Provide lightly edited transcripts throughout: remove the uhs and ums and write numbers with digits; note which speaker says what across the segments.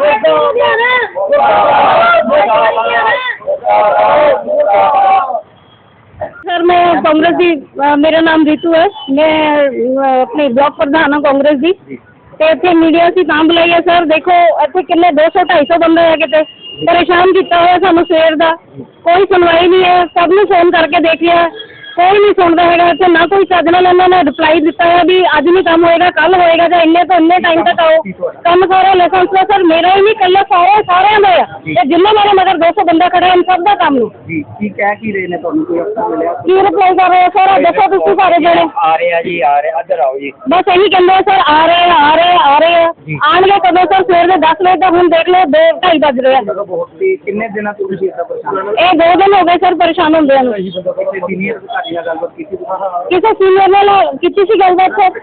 Speaker 1: Sir मैं कांग्रेस की मेरा नाम रितु है, मैं अपने ब्लॉक प्रधान हाँ कांग्रेस की। तो इतने मीडिया से तां बुलाई है सर, देखो इतने किन्ने 200-250 बंदे है, कितने परेशान किया हुआ सानू सवेर का, कोई सुनवाई नहीं है। सब नूं फोन करके देख लिया, कोई नहीं सुनता है। इतने ना कोई चज नाल उन्होंने रिप्लाई दिता है भी अज नहीं काम होएगा, कल होएगा, या इन्ने तो इन्ने टाइम तक आओ। काम सारा लाइसेंस का सर मेरा ही नहीं, कल सारे सारे का है, जिन्हें मेरे मगर 200 बंदा खड़ा है, इन सब का काम
Speaker 2: जी की कह की रहे ने ਤੁਹਾਨੂੰ ਕੋਈ ਅਫਸਰ ਮਿਲਿਆ
Speaker 1: की रिप्लाई कर रहे हो सर? दसो तुम सारे जने
Speaker 2: आ रहे हैं जी, आ रहे हैं, इधर आओ जी।
Speaker 1: बस यही कहते हैं सर, आ रहे हैं आ रहे हैं आ रहे हैं, आएंगे कदों सर? सवेर के 10 बजे तक हम देख लो 2-2:30 बज रहे हैं।
Speaker 2: बहुत ही किन्ने दिन तो ਤੁਸੀਂ ਇਦਾਂ ਪਰੇਸ਼ਾਨ
Speaker 1: ये 2 दिन हो गए सर परेशान होंगे।
Speaker 2: ਕਿਸੇ ਸੀਨੀਅਰ ਅਧਿਕਾਰੀ ਨਾਲ ਗੱਲਬਾਤ ਕੀਤੀ
Speaker 1: किसी सीनियर ने किसी सी गलबात सर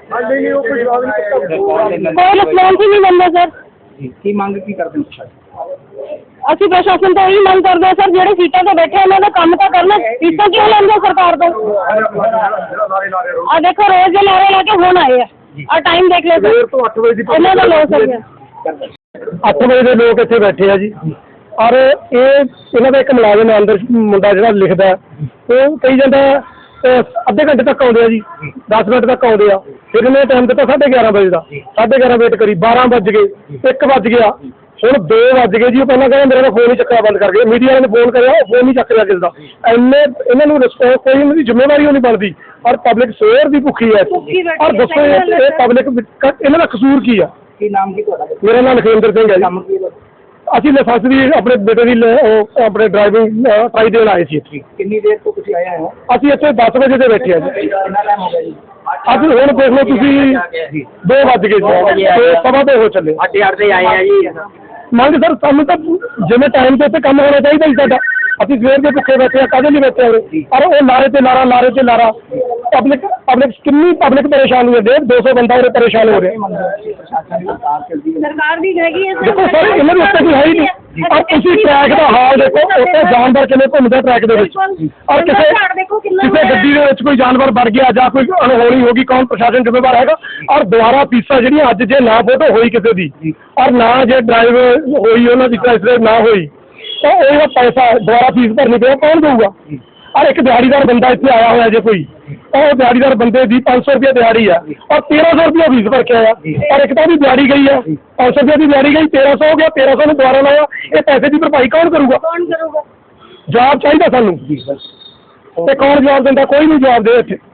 Speaker 1: कोई रिस्पॉन्स ही नहीं मिलता सर।
Speaker 2: जी की मंग की करते हो?
Speaker 1: ਅਸੀਂ प्रशासन तो यही मंग करते हैं सर, जेडे सीटा ते बैठे उन्होंने काम तो करना, फीसा क्यों लेंगे सरकार तो? आ देखो रोज के नारे लाके फोन आए हैं, और टाइम देख लो सर,
Speaker 3: तो 8 बजे
Speaker 1: इन्हों का लॉस हो गया।
Speaker 3: 8 ਵਜੇ ਦੇ ਲੋਕ ਇੱਥੇ ਬੈਠੇ ਆ ਜੀ। ਔਰ ਇਹਨਾਂ ਦਾ ਇੱਕ ਮੁਲਾਜ਼ਮ ਹੈ ਅੰਦਰ, ਮੁੰਡਾ ਜਿਹੜਾ ਲਿਖਦਾ, ਉਹ ਕਹੀ ਜਾਂਦਾ ਅੱਧੇ ਘੰਟੇ ਤੱਕ ਆਉਂਦੇ ਆ ਜੀ, 10 ਮਿੰਟ ਤੱਕ ਆਉਂਦੇ ਆ। ਫਿਰ ਇਹਨੇ ਟਾਈਮ ਦਿੱਤਾ 11:30 ਵਜੇ ਦਾ, 11:30 ਵੇਟ ਕਰੀ, 12 ਵੱਜ ਗਏ, 1 ਵੱਜ ਗਿਆ, ਹੁਣ 2 ਵੱਜ ਗਏ ਜੀ। ਉਹ ਪਹਿਲਾਂ ਕਹਿੰਦਾ ਮੇਰਾ ਫੋਨ ਹੀ ਚੱਕਣਾ ਬੰਦ ਕਰ ਗਿਆ, ਮੀਡੀਆ ਵਾਲੇ ਨੇ ਫੋਨ ਕਰਿਆ, ਉਹ ਫੋਨ ਨਹੀਂ ਚੱਕ ਰਿਹਾ ਕਿਸੇ ਦਾ। ਇੰਨੇ ਇਹਨਾਂ ਨੂੰ ਰਿਸਪੌਂਸ, ਕੋਈ ਇਹਨਾਂ ਦੀ ਜ਼ਿੰਮੇਵਾਰੀ ਉਹ ਨਹੀਂ ਬਣਦੀ, ਔਰ ਪਬਲਿਕ ਸਵੇਰ ਦੀ ਭੁੱਖੀ ਹੈ। ਔਰ ਦੱਸੋ ਇਹ ਪਬਲਿਕ ਇਹਨਾਂ ਦਾ ਕਸੂਰ ਕੀ ਆ?
Speaker 2: ਕੀ ਨਾਮ ਕੀ ਤੁਹਾਡਾ?
Speaker 3: ਮੇਰਾ ਨਾਮ ਲਖਵਿੰਦਰ ਸਿੰਘ ਹੈ ਜੀ। ਅਸੀਂ ਲਾਇਸੈਂਸ ਦੀ ਆਪਣੇ ਬੇਟੇ ਦੀ ਆਪਣੇ ਡਰਾਈਵਿੰਗ ਟਰਾਈ ਦੇਣ ਆਏ ਸੀ ਇੱਥੇ।
Speaker 2: ਕਿੰਨੀ ਦੇਰ ਤੋਂ ਤੁਸੀਂ ਆਏ ਹੋ?
Speaker 3: ਅਸੀਂ ਇੱਥੇ 10 ਵਜੇ ਦੇ ਬੈਠੇ ਆ ਜੀ।
Speaker 2: ਕਿੰਨਾ ਟਾਈਮ ਹੋ ਗਿਆ ਜੀ?
Speaker 3: ਅੱਜ ਹੁਣ ਦੇਖ ਲਓ ਤੁਸੀਂ 2 ਵੱਜ ਗਏ ਜੀ, 2:15 ਹੋ ਚੱਲੇ।
Speaker 2: 8:30 ਤੇ ਆਏ ਆ ਜੀ।
Speaker 3: ਮੰਗ ਸਰ ਸਾਨੂੰ ਤਾਂ ਜਿਵੇਂ ਟਾਈਮ ਤੇ ਉੱਤੇ ਕੰਮ ਹੋਣਾ ਚਾਹੀਦਾ ਜੀ ਸਾਡਾ। ਅਸੀਂ ਸਵੇਰ ਦੇ ਭੁੱਖੇ ਬੈਠੇ ਆ, ਕਾਹਦੇ ਲਈ ਬੈਠੇ ਹੋਏ? ਪਰ ਉਹ ਲਾਰੇ ਤੇ ਲਾਰਾ, ਲਾਰੇ ਤੇ ਲਾਰਾ। ਪਬਲਿਕ ਕਿੰਨੀ ਪਬਲਿਕ ਪਰੇਸ਼ਾਨ ਹੋਈ ਹੈ, 150 ਬੰਦਾ ਉਰੇ ਪਰੇਸ਼ਾਨ ਹੋ ਰਿਹਾ।
Speaker 1: सरकार भी रहेगी है
Speaker 3: ਦੇਖੋ ਸਰ ਇਹਨਾਂ ਦੇ ਉੱਤੇ ਕੋਈ ਹੈ ਹੀ ਨਹੀਂ। ਔਰ ਤੁਸੀਂ ਟਰੈਕ ਦਾ ਹਾਲ ਦੇਖੋ, ਉੱਤੇ ਜਾਨਵਰ ਕਿਵੇਂ ਘੁੰਮਦਾ ਟਰੈਕ ਦੇ ਵਿੱਚ। ਔਰ ਕਿਸੇ ਗੱਡੀ ਦੇ ਵਿੱਚ ਕੋਈ ਜਾਨਵਰ ਵੜ ਗਿਆ ਜਾਂ ਕੋਈ ਅਣਹੋਣੀ ਹੋ ਗਈ, ਕੌਣ ਪ੍ਰਸ਼ਾਸਨ ਜ਼ਿੰਮੇਵਾਰ ਹੈਗਾ? ਔਰ ਦੁਬਾਰਾ ਫੀਸਾਂ ਜਿਹੜੀਆਂ ਅੱਜ ਜੇ ਨਾ ਫੋਟੋ ਹੋਈ ਕਿਸੇ ਦੀ, ਔਰ ਨਾ ਜੇ ਡਰਾਈਵ ਹੋਈ ਉਹਨਾਂ ਦੀ ਟੈਸਟ ਨਾ ਹੋਈ, ਤਾਂ ਉਹ ਪੈਸਾ ਦੁਬਾਰਾ ਫੀਸ ਭਰਨੀ ਪਏ, ਕੌਣ ਦੇਊਗਾ? ਔਰ ਇੱਕ ਦਿਹਾੜੀਦਾਰ ਬੰਦਾ ਇੱਥੇ ਆਇਆ ਹੋਇਆ ਜੇ ਕੋਈ, ਉਹ ਦਿਹਾੜੀਦਾਰ ਬੰਦੇ ਦੀ 500 ਰੁਪਏ ਦਿਹਾੜੀ ਆ, ਔਰ 1300 ਰੁਪਏ ਫੀਸ ਭਰ ਕੇ ਆਇਆ। ਔਰ ਇੱਕ ਤਾਂ ਵੀ ਦਿਹਾੜੀ ਗਈ ਆ, 500 ਰੁਪਏ ਦੀ ਦਿਹਾੜੀ ਗਈ, 1300 ਹੋ ਗਿਆ, 1300 ਨੂੰ ਦੁਬਾਰਾ ਲਾਇਆ। ਇਹ ਪੈਸੇ ਦੀ ਭਰਪਾਈ ਕੌਣ ਕਰੂਗਾ? ਜਵਾਬ ਚਾਹੀਦਾ ਸਾਨੂੰ, ਤੇ ਕੌਣ ਜਵਾਬ ਦਿੰਦਾ? ਕੋਈ ਨਹੀਂ ਜਵਾਬ ਦੇ ਇੱਥੇ।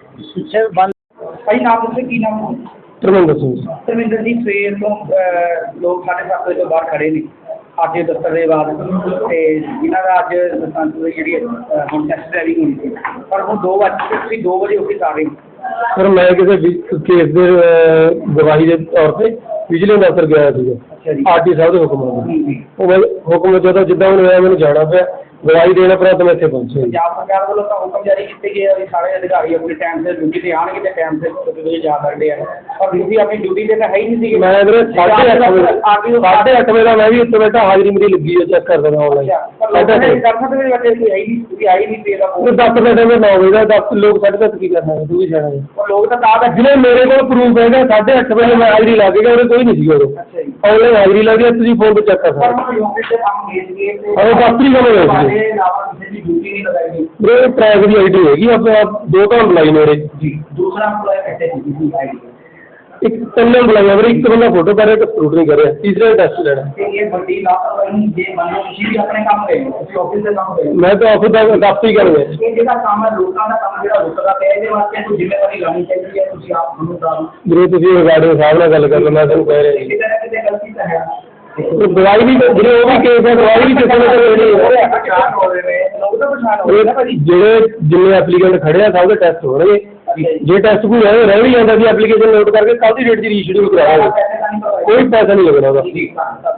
Speaker 2: ਭਾਈ ਨਾਮ ਦੱਸੋ, ਕੀ ਨਾਮ?
Speaker 3: ਧਰਮਿੰਦਰ ਸਿੰਘ।
Speaker 2: ਧਰਮਿੰਦਰ ਜੀ, ਸਵੇਰ ਤੋਂ ਲੋਕ 7:30 ਵਜੇ ਤੋਂ ਬਾਹਰ ਖੜੇ ਨੇ ਅੱਜ ਦਫ਼ਤਰ ਦੇ ਬਾਅਦ, ਤੇ ਜਿਨ੍ਹਾਂ ਦਾ ਅੱਜ ਲਾਇਸੈਂਸ ਦੀ ਜਿਹੜੀ ਹੁਣ ਟੈਸਟ ਡਰਾਈਵਿੰਗ ਹੋਣੀ ਸੀ, ਪਰ ਹੁਣ 2 ਵਜੇ ਤੁਸੀਂ 2 ਵਜੇ ਆਫਿਸ ਆ ਗਏ।
Speaker 3: ਸਰ ਮੈਂ ਕਿਸੇ ਕੇਸ ਦੇ ਗਵਾਹੀ ਦੇ ਤੌਰ ਤੇ ਵਿਜੀਲੈਂਸ ਅਫਸਰ ਗਿਆ ਸੀਗਾ।
Speaker 2: ਅੱਛਾ ਜੀ।
Speaker 3: ਆਰਟੀ ਸਾਹਿਬ ਦੇ ਹੁਕਮ ਨਾਲ। ਉਹ ਹੁਕਮ ਜਦੋਂ ਜਿੱਦਾਂ ਹੁਣ ਹੋਇਆ ਮੈਨੂੰ ਜਾਣਾ ਪਿਆ, ਗਵਾਹੀ ਦੇਣ ਉਪਰੰਤ ਮੈਂ ਇੱਥੇ ਪਹੁੰਚਿਆ।
Speaker 2: ਪੰਜਾਬ ਸਰਕਾਰ ਵੱਲੋਂ ਤਾਂ ਹੁਕਮ ਜਾਰੀ ਕੀਤੇ ਗਏ ਆ ਵੀ ਸਾਰੇ ਅਧਿਕਾਰੀ ਆਪਣੀ ਟਾਈਮ ਤੇ ਡਿਊਟੀ ਤੇ ਆਉਣਗੇ ਤੇ ਟਾਈਮ ਤੇ ਤੁਸੀਂ ਜਾ ਸਕਦੇ ਆ, ਪਰ ਤੁਸੀਂ ਆਪਣੀ ਡਿਊਟੀ ਤੇ ਤਾਂ ਹੈ ਹੀ ਨਹੀਂ ਸੀਗੇ।
Speaker 3: ਮੈਂ ਵੀਰੇ 8:30 ਵਜੇ ਦਾ ਮੈਂ ਵੀ ਇੱਥੇ ਬੈਠਾ, ਹਾਜ਼ਰੀ ਮੇਰੀ ਲੱਗੀ ਹੈ, ਚੈੱਕ ਕਰ ਦੇਣਾ ਆਨਲਾਈਨ।
Speaker 2: 8:30 ਵਜੇ ਬੱਚੇ ਤੁਸੀਂ ਆਈ ਨਹੀਂ, ਤੁਸੀਂ ਆਈ ਨਹੀਂ ਪਏਗਾ।
Speaker 3: 10 ਵਜੇ 9 ਵਜੇ ਦਾ 10 ਲੋਕ 10:30 ਕੀ ਕਰਨਾ, ਤੂੰ ਵੀ ਜਾਣਾ ਜੀ।
Speaker 2: ਲੋਕ ਤਾਂ ਤਾਂ
Speaker 3: ਜਿਹਨੇ ਮੇਰੇ ਕੋਲ ਪ੍ਰੂਫ ਹੈਗਾ 8:30 ਵਜੇ ਮੈਂ ਹਾਜ਼ਰੀ ਲਾ ਕੇ ਗਿਆ, ਉਹਦੇ ਕੋਈ ਨਹੀਂ ਸੀ ਉਦੋਂ। ਆਨਲਾਈਨ ਹਾਜ਼ਰੀ ਲੱਗੀ ਹੈ, ਤੁਸੀਂ ਫੋਨ ਤੇ ਚੈੱਕ ਕਰ ਸਕਦੇ ਹੋ। ਉਹ ਦਫ਼ਤਰੀ ਕੰਮ ਹੋਇਆ ਸੀ ਮੇਰੇ ਟਰੈਕ ਦੀ ਆਈਡੀ ਹੈਗੀ ਆਪਣੇ ਆਪ 2 ਤਾਂ ਬੁਲਾਈ ਮੇਰੇ ਜੀ।
Speaker 2: ਦੂਸਰਾ ਐਮਪਲਾਈ ਕੱਟੇ ਸੀ ਆਈਡੀ,
Speaker 3: ਇੱਕ 3 ਬੁਲਾਈਆਂ ਮੇਰੇ, ਇੱਕ ਬੰਦਾ ਫੋਟੋ ਕਰ ਰਿਹਾ, ਇੱਕ ਫਰੂਟ ਨਹੀਂ ਕਰ ਰਿਹਾ, ਤੀਸਰਾ ਟੈਸਟ ਲੈਣਾ।
Speaker 2: ਤੇ ਇਹ ਵੱਡੀ ਲਾਪਰਵਾਹੀ ਜੇ ਮੰਨ ਲਓ ਤੁਸੀਂ ਵੀ ਆਪਣੇ ਕੰਮ ਗਏ, ਤੁਸੀਂ ਆਫਿਸ ਦੇ ਕੰਮ ਗਏ।
Speaker 3: ਮੈਂ ਤਾਂ ਆਫਿਸ ਦਾ ਦਫ਼ਤਰੀ ਕਰ ਗਿਆ।
Speaker 2: ਇਹ ਜਿਹੜਾ ਕੰਮ ਹੈ ਲੋਕਾਂ ਦਾ ਕੰਮ ਜਿਹੜਾ ਰੁਕਦਾ ਪਿਆ, ਇਹਦੇ ਵਾਸਤੇ ਕੋਈ ਜ਼ਿੰਮੇਵਾਰੀ ਲੈਣੀ ਚਾਹੀਦੀ ਹੈ। ਤੁਸੀਂ ਆਪ ਤੁਹਾਨੂੰ ਤਾਂ
Speaker 3: ਵੀਰੇ ਤੁਸੀਂ ਰਿਗਾਰਡਿੰਗ ਸਾਹਿਬ ਨਾਲ ਗੱਲ ਕਰ ਲਓ, ਮੈਂ ਤੁਹਾਨੂੰ ਕਹਿ ਰਿਹਾ ਜੀ।
Speaker 2: ਕਿਤੇ ਗਲਤੀ ਤਾਂ ਹੈ,
Speaker 3: ਦਵਾਈ ਵੀ ਜਿਹੜੇ ਉਹ ਵੀ ਕੇਸ ਹੈ, ਦਵਾਈ ਵੀ ਕਿਸੇ ਨੇ ਲੈਣੀ ਹੈ।
Speaker 2: ਪਛਾਣ ਹੋ ਰਹੇ ਨੇ ਲੋਕ ਤਾਂ ਪਛਾਣ ਹੋ ਰਹੇ ਨੇ ਭਾਜੀ।
Speaker 3: ਜਿਹੜੇ ਜਿੰਨੇ ਐਪਲੀਕੈਂਟ ਖੜੇ ਆ ਸਭ ਦੇ ਟੈਸਟ ਹੋਣਗੇ। ਜੇ ਟੈਸਟ ਕੋਈ ਰਹਿ ਵੀ ਜਾਂਦਾ ਸੀ ਐਪਲੀਕੇਸ਼ਨ ਨੋਟ ਕਰਕੇ ਕੱਲ੍ਹ ਦੀ ਡੇਟ 'ਚ ਰੀਸ਼ਡਿਊਲ ਕਰਾਵਾਂਗੇ, ਕੋਈ ਪੈਸਾ ਨਹੀਂ ਲੱਗਣਾ ਉਹਦਾ।